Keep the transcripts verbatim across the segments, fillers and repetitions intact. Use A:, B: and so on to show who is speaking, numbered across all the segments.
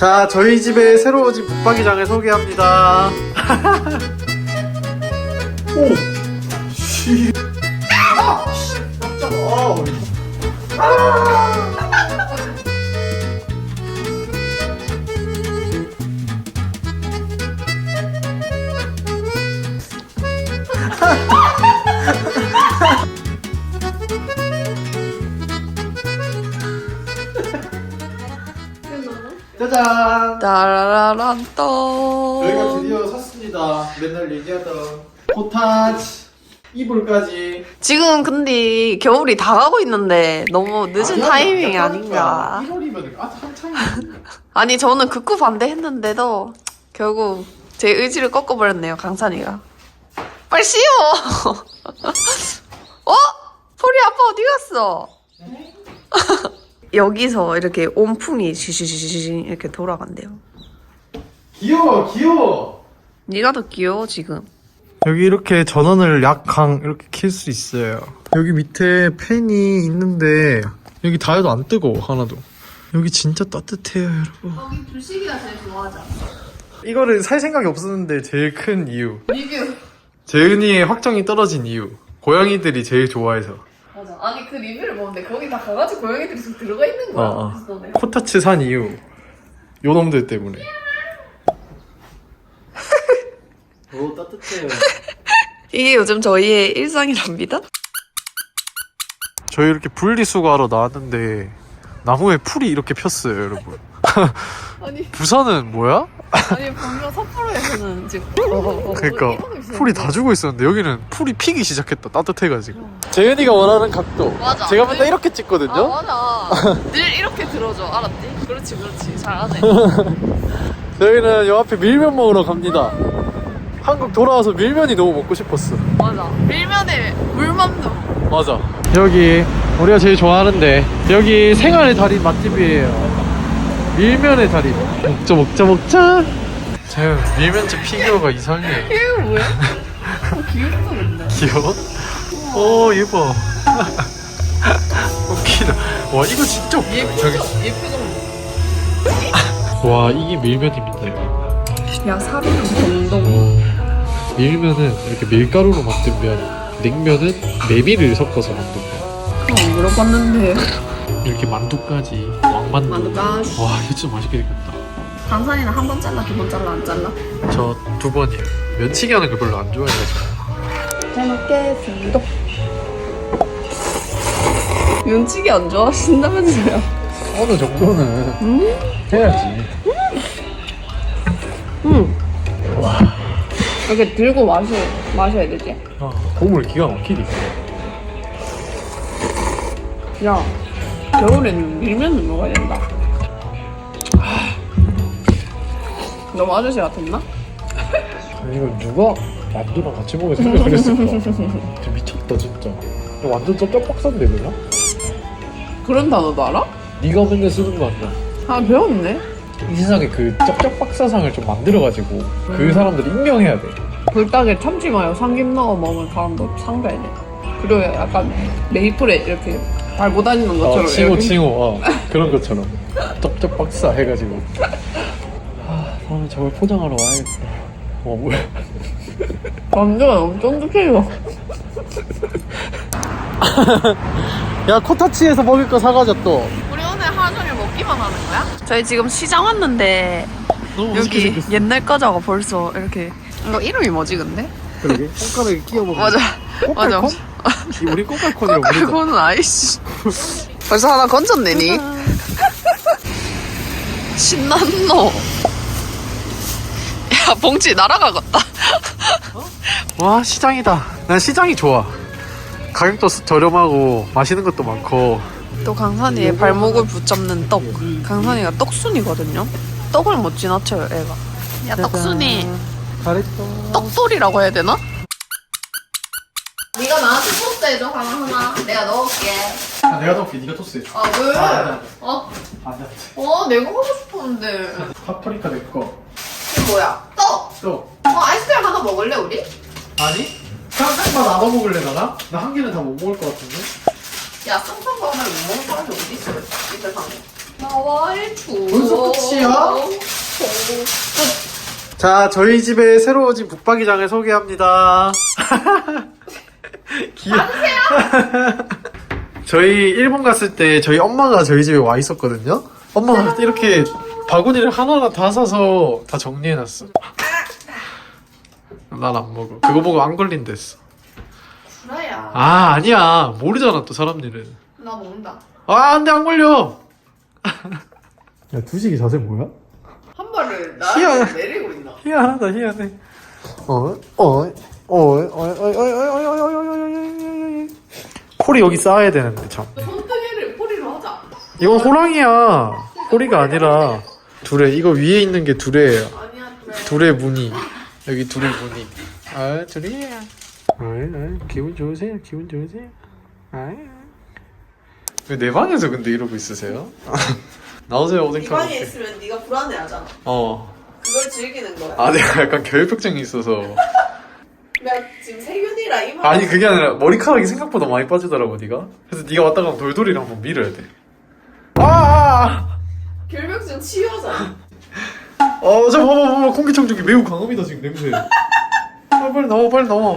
A: 자, 저희 집에 새로 오진 붙박이장을 소개합니다. 오! 씨. 아! 씨. 깜짝아. 아! 짜잔!
B: 따라란 또
A: 저희가 드디어 샀습니다. 맨날 얘기하던 코타치 이불까지.
B: 지금 근데 겨울이 다 가고 있는데 너무 늦은
A: 아,
B: 타이밍이
A: 야,
B: 아닌가.
A: 일월이면 아 한창이.
B: 아니 저는 극구 반대했는데도 결국 제 의지를 꺾어버렸네요, 강산이가. 빨리 씌워. 어? 포리 아빠 어디 갔어? 여기서 이렇게 온풍이 시시시시 이렇게 돌아간대요.
A: 귀여워, 귀여워.
B: 네가 더 귀여워 지금.
A: 여기 이렇게 전원을 약강 이렇게 킬 수 있어요. 여기 밑에 팬이 있는데 여기 닿아도 안 뜨거워 하나도. 여기 진짜 따뜻해요, 여러분.
B: 거기 두식이가 제일 좋아하잖아.
A: 이거를 살 생각이 없었는데 제일 큰 이유.
B: 리뷰.
A: 재은이의 확정이 떨어진 이유. 고양이들이 제일 좋아해서.
B: 맞아. 아니 그 리뷰를 보는데 거기 다 강아지 고양이들이 좀 들어가 있는 거야.
A: 어, 어.
B: 그래서 너네.
A: 코타츠 산 이유. 요 놈들 때문에. 오, 따뜻해요.
B: 이게 요즘 저희의 일상이랍니다.
A: 저희 이렇게 분리수거하러 나왔는데 나무에 풀이 이렇게 폈어요, 여러분.
B: 아니
A: 부산은 뭐야?
B: 아니 분명 삿포로에서는 지금 어, 어, 어,
A: 그러니까
B: 이러고 있었는데.
A: 풀이 다 죽어 있었는데 여기는 풀이 피기 시작했다. 따뜻해가지고. 재은이가 원하는 각도.
B: 맞아.
A: 제가 맨날
B: 늘-
A: 이렇게 찍거든요.
B: 아 맞아. 늘 이렇게 들어줘. 알았지? 그렇지 그렇지. 잘하네.
A: 저희는 요 앞에 밀면 먹으러 갑니다. 한국 돌아와서 밀면이 너무 먹고 싶었어.
B: 맞아. 밀면에 물만두.
A: 맞아. 여기 우리가 제일 좋아하는데 여기 생활의 달인 맛집이에요. 밀면의 달인. 먹자 먹자 먹자. 제 밀면집 피규어가 이상해.
B: 이거 뭐야? 어, 귀엽다 근데.
A: 귀여워? 오 예뻐. 웃기다. 와 이거 진짜 웃기다.
B: 예쁘죠? 예쁘죠?
A: 와 이게 밀면입니다. 이거.
B: 야 사비는 건동.
A: 밀면은 이렇게 밀가루로 만든 면, 냉면은 메밀을 섞어서 만든 면.
B: 안 물어봤는데.
A: 이렇게 만두까지 왕만두.
B: 만두까지.
A: 와 이거 진짜 맛있게 생겼다.
B: 강산이는 한 번 잘라 두 번 잘라 안 잘라?
A: 저 두 번이에요. 면치기 하는 거 별로 안 좋아해가지고.
B: 잘 먹겠습니다. 면치기 안 좋아하신다면서요?
A: 어느 정도는
B: 음?
A: 해야지.
B: 응. 와. 이렇게 들고 마셔, 마셔야 되지?
A: 아, 보물 기가 막히지.
B: 야, 겨울에는 밀면을 먹어야 된다. 너무 아저씨 같았나?
A: 이거 누가 만두랑 같이 먹을 생각을 했을까? 진짜 미쳤다 진짜. 이거 완전 쩝쩝박사인데 그냥?
B: 그런 단어도 알아?
A: 네가 맨날 쓰는 거 아니야?
B: 아, 배웠네.
A: 이 세상에 그 쩝쩝박사상을 좀 만들어가지고 그 사람들 임명해야 돼.
B: 불닭에 참치 마요 삼김 넣어 먹으면 사람도 상 줘야 돼. 그리고 약간 메이플에 이렇게 달고 다니는 것처럼
A: 어, 칭호
B: 이렇게.
A: 칭호 어, 그런 것처럼 쩝쩝박사 해가지고. 아, 다음에 저걸 포장하러 와야겠다. 어 뭐야?
B: 완전 엄청 쫀득해요.
A: 야 코타치에서 먹을 거 사가자 또.
B: 우리 오늘 하루 종일 먹기만 하는 거야? 저희 지금 시장 왔는데
A: 너무
B: 여기 옛날 과자가 벌써 이렇게. 이거 이름이 뭐지 근데?
A: 그러게 손가락에 끼워 먹는.
B: 맞아. 맞아.
A: 꼬깔콘? 우리 꼬깔콘이라고 부르자.
B: 그거는 아이씨. 벌써 하나 건졌네니? 신났노. 야 봉지 날아가겠다.
A: 와 시장이다. 난 시장이 좋아. 가격도 저렴하고 맛있는 것도 많고.
B: 또 강산이의 발목을 붙잡는 떡. 강산이가 떡순이거든요. 떡을 못 지나쳐요 애가. 야 떡순이.
A: 잘했어.
B: 떡돌이라고 해야 되나? 네가 나한테 토스트 해줘 하나 하나. 내가 넣을게.
A: 아, 내가 더 네가 토스해 줘.
B: 아 왜?
A: 아,
B: 어?
A: 안돼.
B: 어 내가 하고 싶었는데.
A: 파프리카 내 거.
B: 이게 뭐야? 떡.
A: 또
B: 어 아이스크림 하나 먹을래 우리?
A: 아니? 쌍쌍만 나눠 먹을래 나나? 나 한 개는 다 못 먹을 것 같은데.
B: 야 쌍쌍거 하나를 못 먹는 사람이 어디 있어? 이 세상에. 나와 일주.
A: 벌써 끝이야? 자, 저희 집에 새로워진 북박이장을 소개합니다. 귀여워. 저희 일본 갔을 때 저희 엄마가 저희 집에 와 있었거든요. 엄마가 이렇게 바구니를 하나하나 다 사서 다 정리해놨어. 난 안 먹어. 그거 보고 안 걸린댔어.
B: 구라야.
A: 아, 아니야. 모르잖아, 또 사람 일은.
B: 나 먹는다.
A: 아, 안 돼, 안 걸려. 야, 두식이 자세 뭐야?
B: 한 발을
A: 희한해.
B: 나한테 내리고 있나?
A: 희한하다, 희한해. 어, 어, 어, 어, 어, 어, 어, 어, 어, 어, 어, 어, 콜이 여기 쌓아야 되는데, 참.
B: 손뜨개를 포리로 하자.
A: 이건 호랑이야. 호리가 아니라 두레. 이거 위에 있는 게 두레예요.
B: 아니야, 그래.
A: 두레 무늬. 여기 두레 무늬. 아, 두레야. 아, 아, 기분 좋으세요? 기분 좋으세요? 아. 왜 내 방에서 근데 이러고 있으세요? 나오세요,
B: 이
A: 오뎅탕.
B: 방에
A: 먹게.
B: 있으면 네가 불안해하잖아.
A: 어.
B: 그걸 즐기는 거야.
A: 아, 내가 약간 결벽증이 있어서.
B: 나 지금 세균이라 이만.
A: 아니, 그게 아니라 머리카락이 생각보다 많이 빠지더라고, 네가. 그래서 네가 왔다 가면 돌돌이를 한번 밀어야 돼. 아! 아!
B: 결벽증 치유하잖아.
A: 어, 저 봐봐, 봐봐. 공기청정기 매우 강합니다, 지금 냄새. 아, 빨리 나와, 빨리 나와.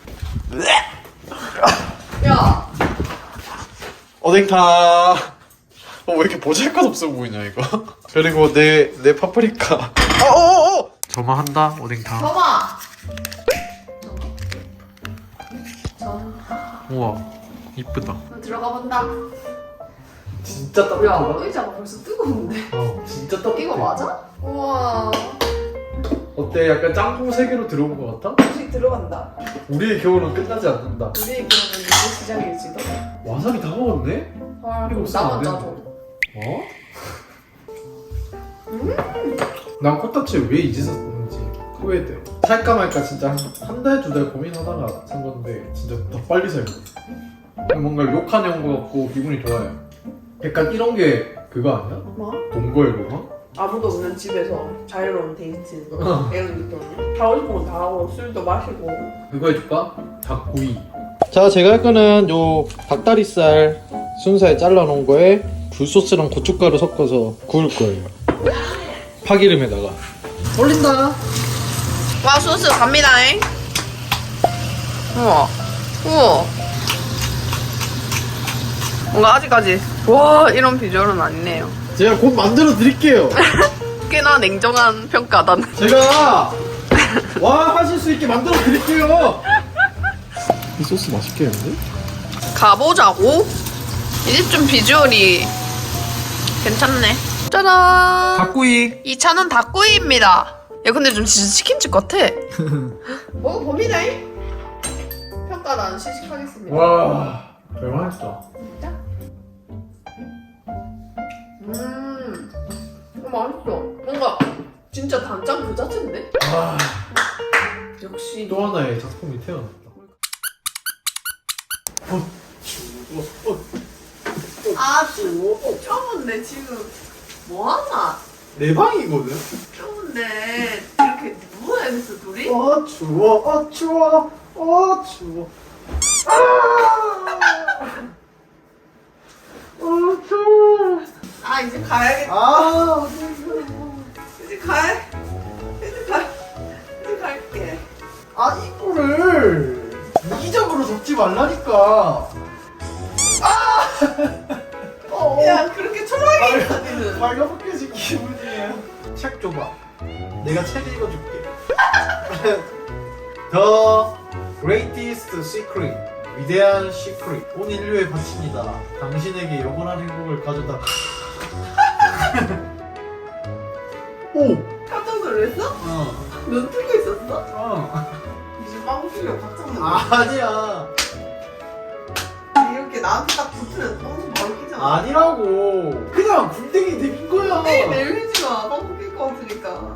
B: 야,
A: 오뎅탕. 어, 왜 이렇게 보잘것 없어 보이냐, 이거. 그리고 내, 내 파프리카. 어, 어, 어! 저만 한다, 오뎅탕.
B: 점아. 점.
A: 우와, 이쁘다.
B: 너 들어가 본다.
A: 진짜
B: 야, 의자가 벌써 뜨거운데.
A: 어, 진짜 따뜻해.
B: 이거 맞아? 우와.
A: 어때? 약간 짬뽕 세계로 들어온 것 같아?
B: 음식 들어간다.
A: 우리의 겨울은 끝나지 않는다.
B: 우리의 기억은 이제 시작일지도.
A: 와사비 다 먹었네?
B: 헐,
A: 이거
B: 그럼
A: 없으면
B: 나만
A: 안
B: 짜줘.
A: 어? 난 코타치 왜 이 짓을 썼는지 후회돼. 살까 말까 진짜 한 한 달, 두 달 고민하다가 산 건데 진짜 더 빨리 살고. 뭔가 욕하는 것 같고 기분이 좋아요. 약간 이런 게 그거 아니야?
B: 뭐?
A: 동거일보가?
B: 아무도 없는 집에서 자유로운 데이트
A: 어.
B: 이런 느낌. 하고 싶은 거 다 하고 술도 마시고.
A: 그거 해줄까? 닭구이. 자, 제가 할 거는 요 닭다리살 순살 잘라놓은 거에 굴소스랑 고춧가루 섞어서 구울 거예요. 파기름에다가 올린다.
B: 와, 소스 갑니다잉. 우와. 우와. 뭔가 아직까지 와 이런 비주얼은 아니네요.
A: 제가 곧 만들어 드릴게요.
B: 꽤나 냉정한 평가다.
A: 제가 와 하실 수 있게 만들어 드릴게요. 이 소스 맛있겠는데?
B: 가보자고. 이 집 좀 비주얼이 괜찮네. 짜잔.
A: 닭구이.
B: 이 차는 닭구이입니다. 야 근데 좀 진짜 치킨집 같아. 먹어봅니다. 평가는 시식하겠습니다.
A: 와 대박이다.
B: 진짜? 음, 어, 맛있어. 뭔가 진짜 단짠 그 자체인데?
A: 와,
B: 역시.
A: 또 하나의 작품이 태어났다. 어, 추워. 어,
B: 아, 쭈. 쩌은데 지금 뭐하나?
A: 내 방이거든.
B: 쩌은데 이렇게 누워야 돼서 둘이?
A: 어 추워, 어 추워, 어 추워. 아, 어 추워.
B: 아, 이제 가야겠다.
A: 아,
B: 이제 가. 이제 가. 이제 갈게.
A: 아 이거를 이기적으로 접지 말라니까. 어,
B: 야, 그렇게 초라하게 있다니는.
A: 말가벗겨진 기분이에요. 책 줘봐. 내가 책 읽어줄게. The Greatest Secret. 위대한 시크릿. 온 인류의 바칩니다. 당신에게 영원한 행복을 가져다. 오.
B: 깜짝 놀랐어?
A: 어.
B: 눈 뜨고 있었어?
A: 어.
B: 이제 빵 풀려 깜짝 놀랐어.
A: 아니야.
B: 이렇게 나한테 딱 붙으면 빵 바로 끼잖아.
A: 아니라고. 그냥 굴댕이 내민 거야.
B: 네, 내밀지 마. 빵 풀릴 것 같으니까.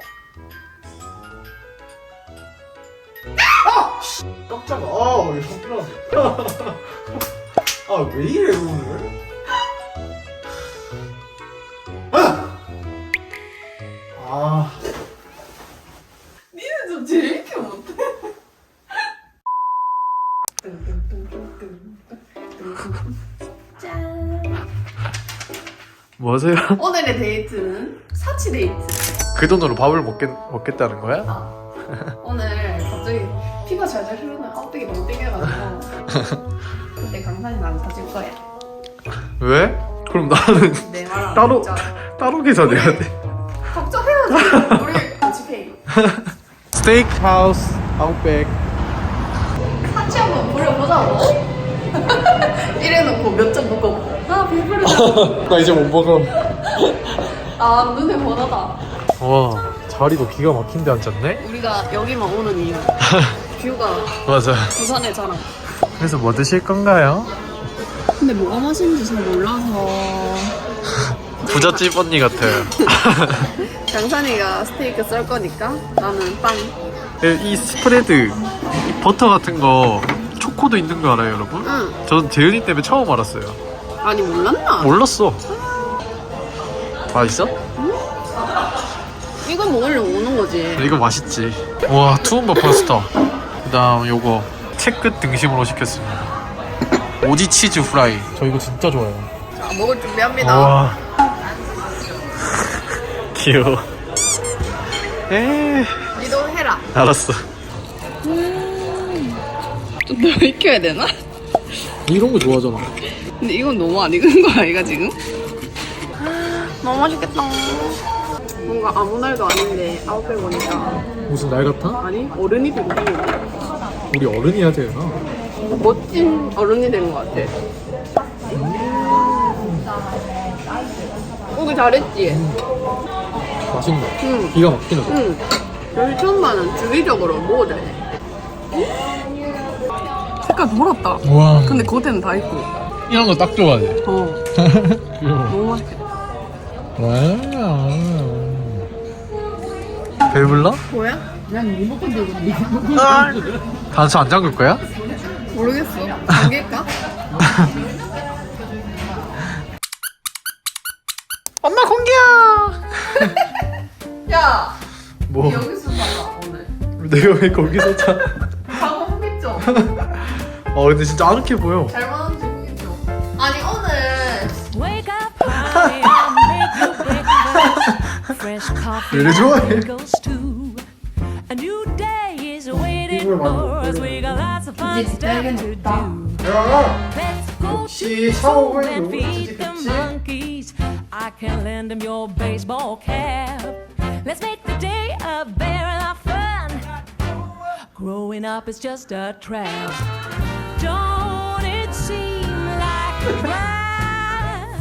A: 깜짝아. 아, 왜 깜짝아. 아, 왜 이래, 오늘? 아! 아.
B: 니는 좀 재밌게 못해. 짠.
A: 뭐 하세요?
B: 오늘의 데이트는 사치 데이트.
A: 그 돈으로 밥을 먹겠, 먹겠다는 거야?
B: 오늘 갑자기 피가 잘잘 흐르는 아웃백이 너무 땡겨가지고 그때 강산이 난 사줄 거야.
A: 왜? 그럼 나는
B: 내 말은
A: 따로
B: 진짜.
A: 따로 계산해야 돼.
B: 걱정해야지. 우리 같이 페이.
A: 스테이크 하우스 아웃백.
B: 같이 한번 부려보자고. 이래놓고 몇 점 묶어. 아 배부르다.
A: 나 이제 못 먹어.
B: 아 눈에 번하다.
A: 와 자리도 기가 막힌데 앉았네?
B: 우리가 여기만 오는 이유. 뷰가
A: 맞아.
B: 부산의 자랑.
A: 그래서 뭐 드실 건가요?
B: 근데 뭐가 맛있는지 잘 몰라서.
A: 부잣집 언니 같아요.
B: 강산이가 스테이크 썰 거니까 나는 빵.
A: 이 스프레드, 이 버터 같은 거 초코도 있는 거 알아요, 여러분?
B: 응.
A: 저는 재은이 때문에 처음 알았어요.
B: 아니 몰랐나?
A: 몰랐어. 맛있어?
B: 이건 먹으려고 오는 거지.
A: 이거 맛있지. 와, 투움바 파스타. 그다음 요거 채끝 등심으로 시켰습니다. 오지 치즈 프라이. 저 이거 진짜 좋아해요.
B: 자 먹을 준비합니다.
A: 와. 귀여워. 에.
B: 니도 해라.
A: 알았어.
B: 좀 더 익혀야 되나?
A: 이런 거 좋아하잖아.
B: 근데 이건 너무 안 익은 거 아이가 지금? 너무 맛있겠다. 뭔가 아무 날도 아닌데 아웃백 오니까
A: 무슨 날 같아?
B: 아니 어른이 되고
A: 우리 어른이야 되나?
B: 멋진 어른이 된 것 같아. 오기 잘했지?
A: 맛있네.
B: 응.
A: 기가 막히네.
B: 응. 여기 천만은 주기적으로 먹어야 돼. 색깔 돌았다.
A: 와.
B: 근데 겉에는 다 있고.
A: 이런 거 딱 좋아해.
B: 어.
A: 귀여워.
B: 너무 맛있겠다.
A: 와. 배불러?
B: 뭐야?
C: 난 리모컨 들고 있는데
A: 단수 안 잠글 거야?
B: 모르겠어. 잠길까?
A: 엄마 공기야.
B: 야!
A: 뭐?
B: 여기서 살아 오늘.
A: 내가 왜 거기서 자?
B: 방어 후기죠?
A: 어 근데 진짜 아늑해 보여.
B: 잘 만든지 후기죠? 아니 오늘
D: Wake up early and make your breakfast. Fresh coffee
A: 왜 이리 좋아해?
D: and goes too. A new day is waiting for us. We got lots of fun stuff to do.
A: 야.
D: Let's go
A: 역시
D: to
A: 샤워를
D: school and
A: 너무
D: feed the
A: 찌직했지?
D: monkeys. I can lend them your baseball cap. Let's make the day a very lot of fun. Growing up is just a trap. Don't it seem like a drag?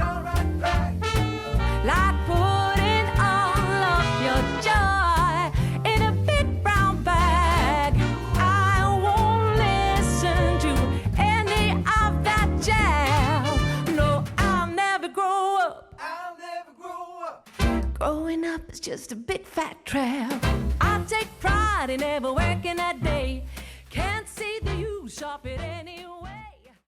D: Like putting all of your joy in a big brown bag. I won't listen to any of that jazz. No, I'll never grow up. I'll never grow up. Growing up is just a big fat trap. I take pride in never working a day. Can't see the use of it anymore.